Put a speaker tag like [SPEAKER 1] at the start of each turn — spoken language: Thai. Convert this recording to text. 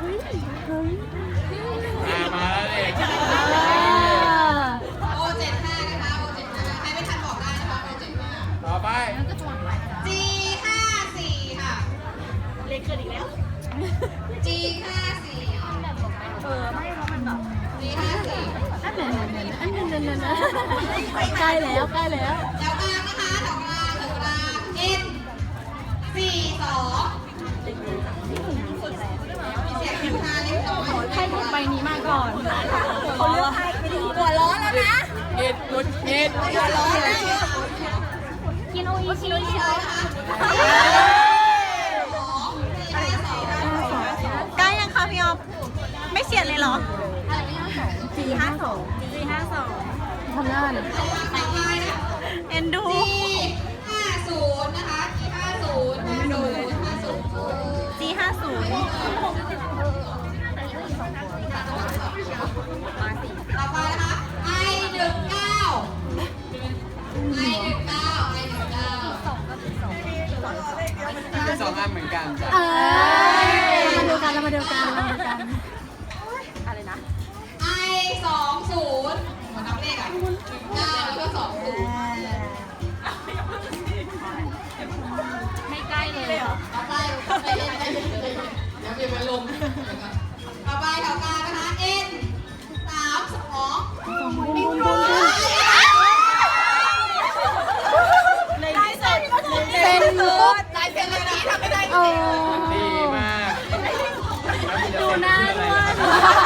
[SPEAKER 1] มาแล้วเด็ก
[SPEAKER 2] โอ75นะคะโอ75ใครไม่ทันบอกได้นะคะโอ75
[SPEAKER 1] ต่อไป
[SPEAKER 2] G54 ค่ะ
[SPEAKER 3] เล็กเกินอีกแล้ว
[SPEAKER 2] G54
[SPEAKER 3] ไม่เพราะมันแบบ
[SPEAKER 2] G54
[SPEAKER 3] อันนั้นใกล้แล้วใกล้แล้ว
[SPEAKER 2] แถวกลางนะคะแถวกลางN42มีเสียงขึ้นมาเล็กน้อย
[SPEAKER 3] ใครถูกใบนี้มาก่อนเขาเลือกใครไปดีหัวร้อนแล้วนะ
[SPEAKER 1] เอ็ดกุดเอ็ด
[SPEAKER 2] หัวร้อนแล้ว
[SPEAKER 3] กินโออีชิเชียว
[SPEAKER 4] ใกล้ยังคะพี่ออฟไม่เฉียดเลยเหรอ
[SPEAKER 3] 452ทำงาน
[SPEAKER 4] เอ็นดู
[SPEAKER 2] G50 นะคะ G50
[SPEAKER 4] G50
[SPEAKER 2] ต่อไปนะคะ I19
[SPEAKER 1] เป็นสองอันเหมือนกันจ้ะ
[SPEAKER 3] มาดูกันเรามาดูกันอะไรนะ
[SPEAKER 2] I20 หัวนับเลขอ่ะ19แล้วก็20
[SPEAKER 3] ไม่ใกล้เลยเหรอ
[SPEAKER 2] ต่อไปเดี๋ยวมีเป็นลมต่อไปแถวกลางนะคะ N32
[SPEAKER 3] เป็นปุ๊บ
[SPEAKER 2] ลายเซ็นเลยนะทำไม่ได้จ
[SPEAKER 3] โอ้
[SPEAKER 2] ริง
[SPEAKER 1] ดีมาก
[SPEAKER 3] ดูหน้าด้วย